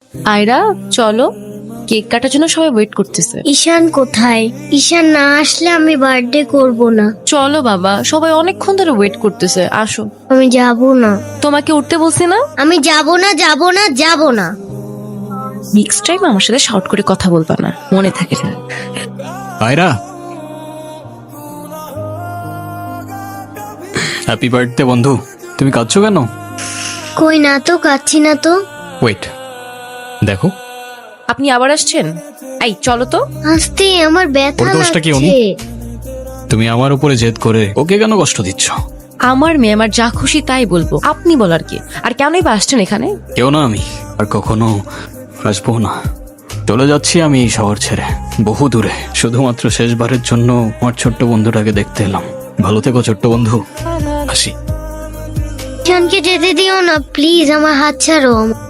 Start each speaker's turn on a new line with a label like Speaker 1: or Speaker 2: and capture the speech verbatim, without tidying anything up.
Speaker 1: আয়রা চলো, কেক কাটার জন্য সবাই ওয়েট করতেছে।
Speaker 2: ঈশান কোথায়? ঈশান না আসলে আমি বার্থডে করব না।
Speaker 1: চলো বাবা, সবাই অনেকক্ষণ ধরে ওয়েট করতেছে, আসো।
Speaker 2: আমি যাব না,
Speaker 1: তোমাকে উঠতে বলছি না?
Speaker 2: আমি যাব না, যাব না, যাব না।
Speaker 1: নেক্সট টাইম আমার সাথে শর্ট করে কথা বলবা না, মনে থাকে না।
Speaker 3: আয়রা, হ্যাপি বার্থডে বন্ধু। তুমি কাঁদছো কেন?
Speaker 2: কই না তো, কাচ্ছি না তো।
Speaker 3: ওয়েট, দেখো।
Speaker 1: আপনি আবার আসছেন? এই চলো তো।
Speaker 2: আস্তে, আমার ব্যথা
Speaker 3: ওর দোষটা কি, অনু?
Speaker 2: লাগছে।
Speaker 3: তুমি আমার উপরে জেদ করে ওকে কেন কষ্ট দিচ্ছ?
Speaker 1: আমার মেয়ে আমার যা খুশি তাই বলবো, আপনি বলার কি? আর কেনই বা আসছেন এখানে?
Speaker 3: কেউ না, আমি আর কখনো আসবো না। চলে যাচ্ছি আমি এই শহর ছেড়ে, বহু দূরে, শুধুমাত্র শেষবারের জন্য আমার ছোট্ট বন্ধুটাকে দেখতে এলাম। ভালো থেকো ছোট্ট বন্ধু, আসি।
Speaker 2: ঈশানকে যেতে দিও না প্লিজ, আমার হাত ছাড়ো।